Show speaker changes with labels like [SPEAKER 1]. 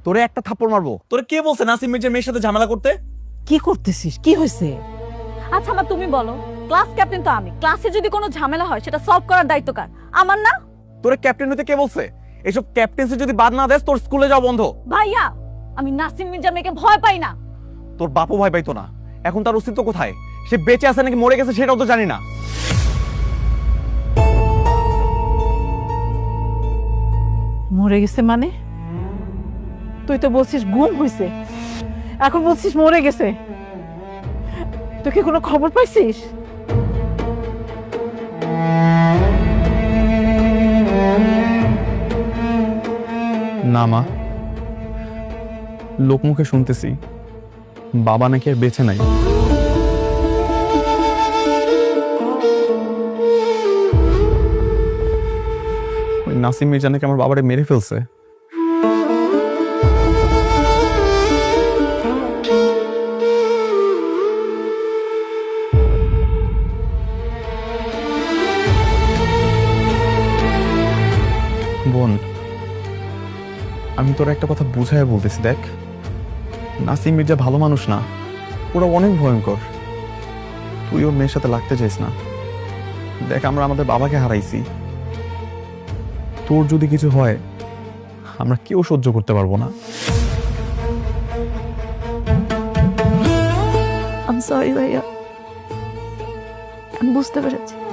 [SPEAKER 1] তোরে একটা থাপ্পড় মারবো। তোরে কে বলছে নাসিম মির্জার মেয়ের সাথে ঝামেলা করতে?
[SPEAKER 2] কি করতেছিস? কি হয়েছে?
[SPEAKER 3] আচ্ছা মা তুমি বলো, ক্লাস ক্যাপ্টেন তো আমি, ক্লাসে যদি কোনো ঝামেলা হয় সেটা সলভ করার দায়িত্ব কার? আমার না?
[SPEAKER 1] তোরে ক্যাপ্টেন হতে কে বলছে? এসব ক্যাপ্টেন্সি যদি বাদ না দেস তোর স্কুলে যাওয়া বন্ধ।
[SPEAKER 3] ভাইয়া, আমি নাসিম মির্জার মেয়েকে ভয় পাই না।
[SPEAKER 1] তোর বাপও ভয় পাইতো না, এখন তার অস্তিত্ব কোথায়? সে বেঁচে আছে নাকি মরে গেছে সেটাও তো জানি না।
[SPEAKER 2] মরে গেছে মানে? তুই তো বলছিস গুম হয়েছে, এখন বলছিস মরে গেছে। তুই কি কোনো খবর পাইছিস?
[SPEAKER 1] না মা, লোকমুখে শুনতেছি বাবা নাকি আর বেঁচে নাই। ওই নাসিম মির্জা নাকি আমার বাবারে মেরে ফেলছে। বোন, আমি তোর একটা কথা বুঝাইয়া বলতেছি, দেখ নাসিম মির্জা ভালো মানুষ না, ওরা অনেক ভয়ঙ্কর। তুই ওর মেয়ের সাথে লাগতে চাইস না। দেখ আমরা আমাদের বাবাকে হারাইছি, তোর যদি কিছু হয় আমরা কেউ সহ্য করতে পারবো না।
[SPEAKER 3] আই এম সরি ভাইয়া, আমি বুঝতে পেরেছি।